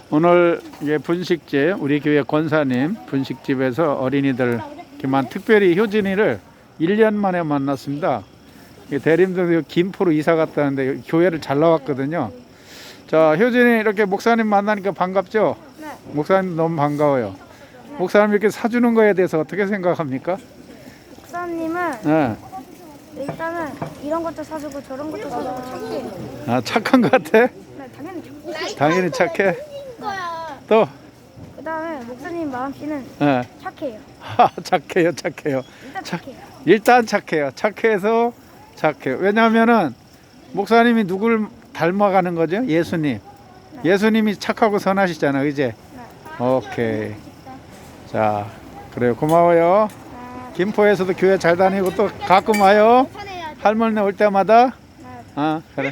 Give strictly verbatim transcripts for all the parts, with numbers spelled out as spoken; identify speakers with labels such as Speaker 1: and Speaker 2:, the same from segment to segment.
Speaker 1: 오늘 예, 분식집 우리 교회 권사님 분식집에서 어린이들 이렇게만 특별히 효진이를 일 년 만에 만났습니다. 대림동 김포로 이사 갔다는데 교회를 잘 나왔거든요. 자, 효진이 이렇게 목사님 만나니까 반갑죠?
Speaker 2: 네.
Speaker 1: 목사님 너무 반가워요. 네. 목사님 이렇게 사주는 거에 대해서 어떻게 생각합니까?
Speaker 2: 목사님은
Speaker 1: 네.
Speaker 2: 일단은 이런 것도 사주고 저런 것도 사주고 착해요.
Speaker 1: 아, 착한 것 같아?
Speaker 2: 네, 당연히 착해요.
Speaker 1: 당연히 착해. 또?
Speaker 2: 그 다음에 목사님 마음씨는
Speaker 1: 네.
Speaker 2: 착해요.
Speaker 1: 착해요, 착해요.
Speaker 2: 일단
Speaker 1: 착-
Speaker 2: 착해요.
Speaker 1: 일단 착해요. 착해서 착해요. 왜냐하면은 목사님이 누굴 닮아가는 거죠? 예수님. 예수님이 착하고 선하시잖아, 이제.
Speaker 2: 네.
Speaker 1: 오케이. 자, 그래요. 고마워요.
Speaker 2: 아,
Speaker 1: 김포에서도 교회 잘 다니고 또 가끔 와요. 할머니 올 때마다.
Speaker 2: 네.
Speaker 1: 아, 그래.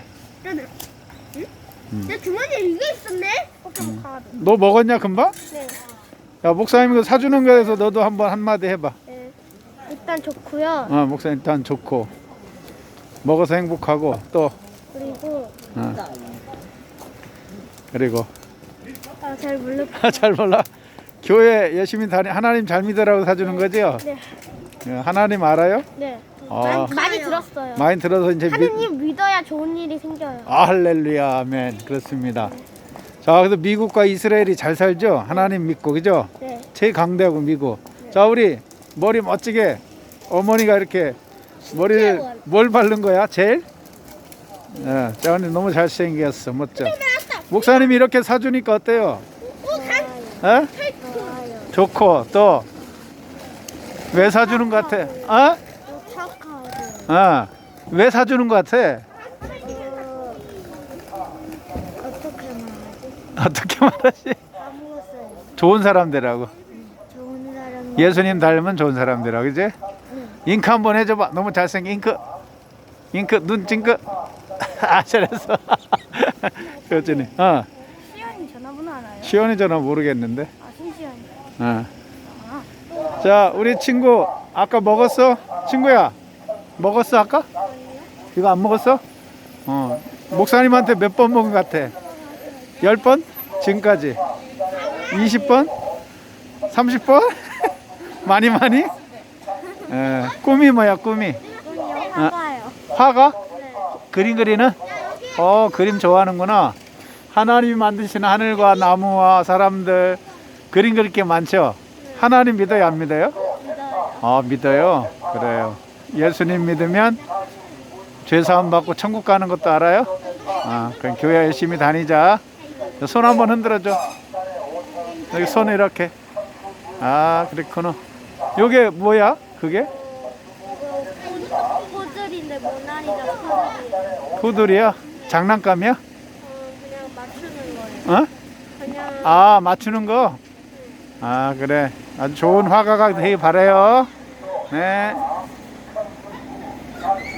Speaker 3: 내 주머니에 이게 있었네?
Speaker 2: 포켓몬 카드.
Speaker 1: 너 먹었냐 금방?
Speaker 2: 네.
Speaker 1: 야, 목사님 이거 사주는 거에서 너도 한번 한마디 해봐.
Speaker 2: 네. 일단 좋고요.
Speaker 1: 어, 목사님 일단 좋고 먹어서 행복하고 또
Speaker 2: 그리고
Speaker 1: 어. 그리고
Speaker 2: 아, 잘 모르.
Speaker 1: 잘 몰라. 교회 열심히 다니 하나님 잘 믿으라고 사주는 거죠?
Speaker 2: 네.
Speaker 1: 예, 하나님 알아요?
Speaker 2: 네.
Speaker 1: 아,
Speaker 2: 많이, 많이 들었어요.
Speaker 1: 많이 들어서 이제 믿...
Speaker 2: 하느님 믿어야 좋은 일이 생겨요.
Speaker 1: 아, 할렐루야, 아멘. 그렇습니다. 자, 그래서 미국과 이스라엘이 잘 살죠? 하나님 믿고, 그죠?
Speaker 2: 네.
Speaker 1: 최강대하고 미국. 자, 우리 머리 멋지게 어머니가 이렇게 머리를 뭘 바른 거야? 젤? 예, 자, 오늘 너무 잘생겼어. 멋져. 목사님이 이렇게 사주니까 어때요? 예?
Speaker 2: 좋아요.
Speaker 1: 좋고 또 왜 사주는 것 같아? 어?
Speaker 2: 또 착하고.
Speaker 1: 어. 왜 사주는 것 같아?
Speaker 2: 어, 어떻게 말하지?
Speaker 1: 어떻게 말하지?
Speaker 2: 까먹었어요.
Speaker 1: 좋은 사람들하고.
Speaker 2: 좋은 사람.
Speaker 1: 예수님 닮은 좋은 사람들하고, 그지? 잉크 한번 해줘봐. 너무 잘생긴 잉크. 잉크 눈 찡크. 아, 잘했어. 효진이. 어.
Speaker 2: 시연이 전화번호 알아요?
Speaker 1: 시원이 전화 모르겠는데.
Speaker 2: 아, 신시연이.
Speaker 1: 어. 자, 우리 친구 아까 먹었어? 친구야, 먹었어 아까? 이거 안 먹었어? 어. 목사님한테 몇 번 먹은 것 같아? 열 번? 지금까지? 이십 번? 삼십 번? 많이 많이? 에, 꿈이 뭐야 꿈이?
Speaker 2: 이건요, 화가요.
Speaker 1: 화가?
Speaker 2: 네.
Speaker 1: 그림 그리는? 어, 그림 좋아하는구나. 하나님이 만드신 하늘과 나무와 사람들 그림 그릴 게 많죠? 하나님 믿어요, 안 믿어요?
Speaker 2: 믿어요.
Speaker 1: 아, 믿어요? 그래요. 예수님 믿으면 죄사함 받고 천국 가는 것도 알아요? 아, 그럼 교회 열심히 다니자. 손 한번 흔들어줘. 여기 손 이렇게. 아, 그렇구나. 요게 뭐야? 그게?
Speaker 2: 포들인데 모나리자 포들이에요.
Speaker 1: 푸들이야? 장난감이야?
Speaker 2: 어, 그냥 맞추는 거예요.
Speaker 1: 어?
Speaker 2: 그냥
Speaker 1: 아, 맞추는 거? 아, 그래. 아주 좋은 화가가 되길 바라요. 네.